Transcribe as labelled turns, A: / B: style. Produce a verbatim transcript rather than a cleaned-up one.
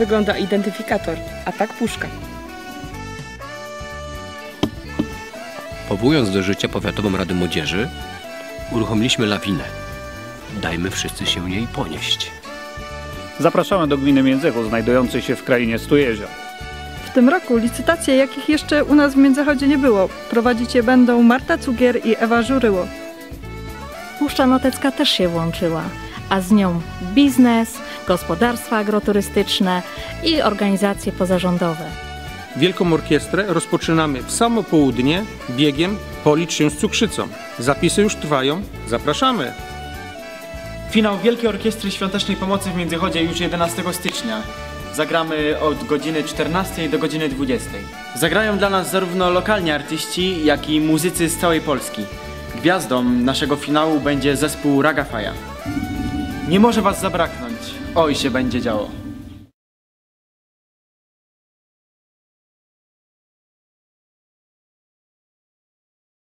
A: wygląda identyfikator, a tak puszka.
B: Powołując do życia Powiatową Radę Młodzieży, uruchomiliśmy lawinę. Dajmy wszyscy się jej ponieść.
C: Zapraszamy do gminy Międzychód, znajdującej się w krainie Stu Jezior.
D: W tym roku licytacje, jakich jeszcze u nas w Międzychodzie nie było, prowadzić je będą Marta Cugier i Ewa Żuryło.
E: Puszcza Notecka też się włączyła, a z nią biznes, gospodarstwa agroturystyczne i organizacje pozarządowe.
F: Wielką orkiestrę rozpoczynamy w samo południe biegiem Policz się z cukrzycą. Zapisy już trwają. Zapraszamy!
G: Finał Wielkiej Orkiestry Świątecznej Pomocy w Międzychodzie już jedenastego stycznia. Zagramy od godziny czternastej do godziny dwudziestej. Zagrają dla nas zarówno lokalni artyści, jak i muzycy z całej Polski. Gwiazdą naszego finału będzie zespół Ragafaja. Nie może was zabraknąć. Oj, się będzie działo.